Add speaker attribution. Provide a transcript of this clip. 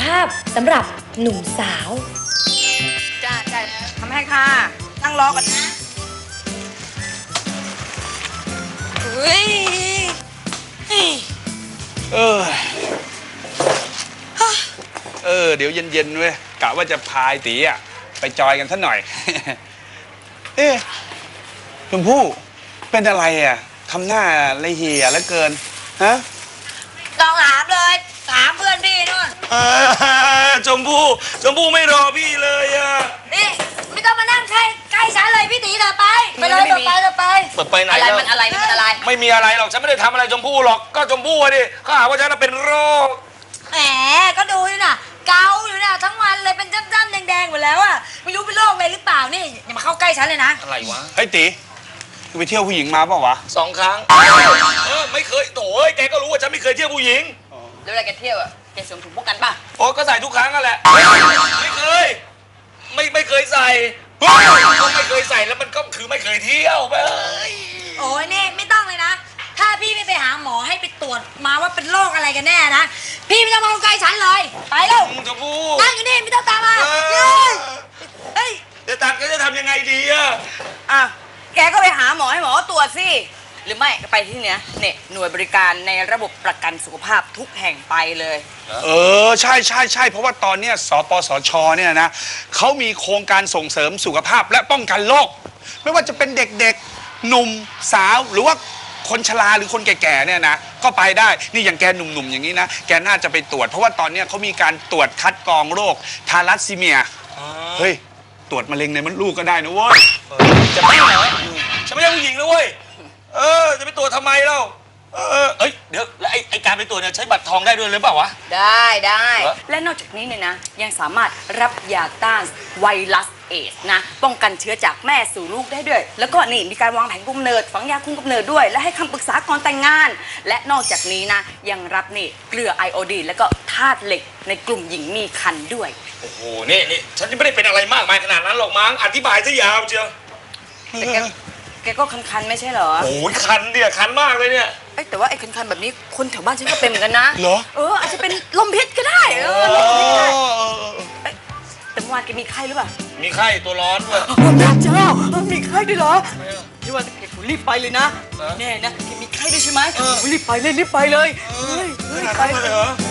Speaker 1: าพสำหรับหนุ่มสาว
Speaker 2: จ้าทำให้ค่ะนั่งรอก่อนนะ
Speaker 3: เดี๋ยวเย็นๆเว้ยกะว่าจะพายตีอ่ะไปจอยกันสักหน่อย ชมพู่เป็นอะไรอ่ะทำหน้าละเหี่ยแล้วเกินฮะ
Speaker 2: ต้องถามเลยถามเพื่อนพี่นู่น
Speaker 3: ชมพู่ไม่รอพี่เลยอ่ะ
Speaker 2: นี่ไม่ต้องมานั่งใกล้ฉันเลยพี่ตีเถอะไปเลยไป
Speaker 3: ไปไหน
Speaker 2: อะไรมันอะไร
Speaker 3: ไม่มีอะไรหรอกฉันไม่ได้ทำอะไรชมพู่หรอกก็ชมพู่ดิเขาหาว่าฉันเป็นโรค
Speaker 2: แหมก็ดูนี่น่ะเกาอยู่น่ะทั้งวันเลยเป็นจ้ำๆแดงๆหมดแล้วอ่ะไม่รู้เป็นโรคอะไรหรือเปล่านี่อย่ามาเข้าใกล้ฉันเลยนะ
Speaker 3: อะไรวะเฮ้ยตีไปเที่ยวผู้หญิงมาเปล่าวะ
Speaker 4: 2 ครั้งไม่เคยโถ่แกก็รู้ว่าฉันไม่เคยเที่ยวผู้หญิง
Speaker 2: แล้วเวลาแกเที่ยวอ่ะแกสวมถุงพวกกันป่ะ
Speaker 4: โอ้ก็ใส่ทุกครั้งนั่นแหละไม่เคยไม่เคยใส่ก็ไม่เคยใส่แล้วมันก็คือไม่เคยเที่ยวไป
Speaker 2: โอ้ยนี่ไม่ต้องเลยนะถ้าพี่ไม่ไปหาหมอให้ไปตรวจมาว่าเป็นโรคอะไรกันแน่นะพี่ไม่ต้องมาใกล้ฉันเลยไปแล้ว
Speaker 4: ชมพู่
Speaker 2: นั่งอยู่นี่ไม่ต้องตามมา
Speaker 4: เฮ้ยจะทำยังไงดี
Speaker 2: อ่ะแกก็ไปหาหมอให้หมอตรวจสิหรือไม่ก็ไปที่เนี้ยเนี่ยหน่วยบริการในระบบประกันสุขภาพทุกแห่งไปเลย
Speaker 3: ใช่เพราะว่าตอนนี้สปสชเนี่ยนะเขามีโครงการส่งเสริมสุขภาพและป้องกันโรคไม่ว่าจะเป็นเด็กๆหนุ่มสาวหรือว่าคนชราหรือคนแก่ๆเนี่ยนะก็ไปได้นี่อย่างแกหนุ่มๆอย่างนี้นะแกน่าจะไปตรวจเพราะว่าตอนนี้เขามีการตรวจคัดกรองโรคทาลัสซีเมียเฮ้ยตรวจมะเร็งในมดลูกก็ได้นะเว้ย
Speaker 4: จะไม่เหรอฉันไม่ใช่ผู้หญิงนะเว้ยจะไปตรวจทำไมเล่าเดี๋ยวแล้วไอ้การไปตรวจเนี่ยใช้บัตรทองได้ด้วยหรือเปล่าวะ
Speaker 2: ได้และนอกจากนี้เนี่ยนะยังสามารถรับยาต้านไวรัสเอดส์นะป้องกันเชื้อจากแม่สู่ลูกได้ด้วยแล้วก็นี่มีการวางแผนคุมกำเนิดฝังยาคุมกำเนิดด้วยและให้คำปรึกษาก่อนแต่งงานและนอกจากนี้นะยังรับนี่เกลือไอโอดีนแล้วก็ธาตุเหล็กในกลุ่มหญิงมีครรภ์ด้วย
Speaker 4: โอ้โหนี่ฉันไม่ได้เป็นอะไรมากมายขนาดนั้นหรอกมั้งอธิบายซะยาวเชียว
Speaker 2: แกก็คันๆไม่ใช่เหรอ
Speaker 4: โอ้ยคันเนี่ยคันมากเลยเนี่ย
Speaker 2: แต่ว่าไอ้คันๆแบบนี้คนแถวบ้านฉันก็เป็นเหมือนกันนะ
Speaker 3: เหรอ
Speaker 2: อาจจะเป็นลมพิษก็ได้ลมพิษได้แต่เมื่อวานแกมีไข้หรือเปล่า
Speaker 4: มีไข้ตัวร้อนด้วย
Speaker 2: พระเจ้ามีไข้ด้วยเหรอที่ว่าแกรีบไปเลยนะแน่นะแกมีไข้ด้วยใช่ไหมรีบไปเลยไปเลย
Speaker 4: ไปเลยเหรอ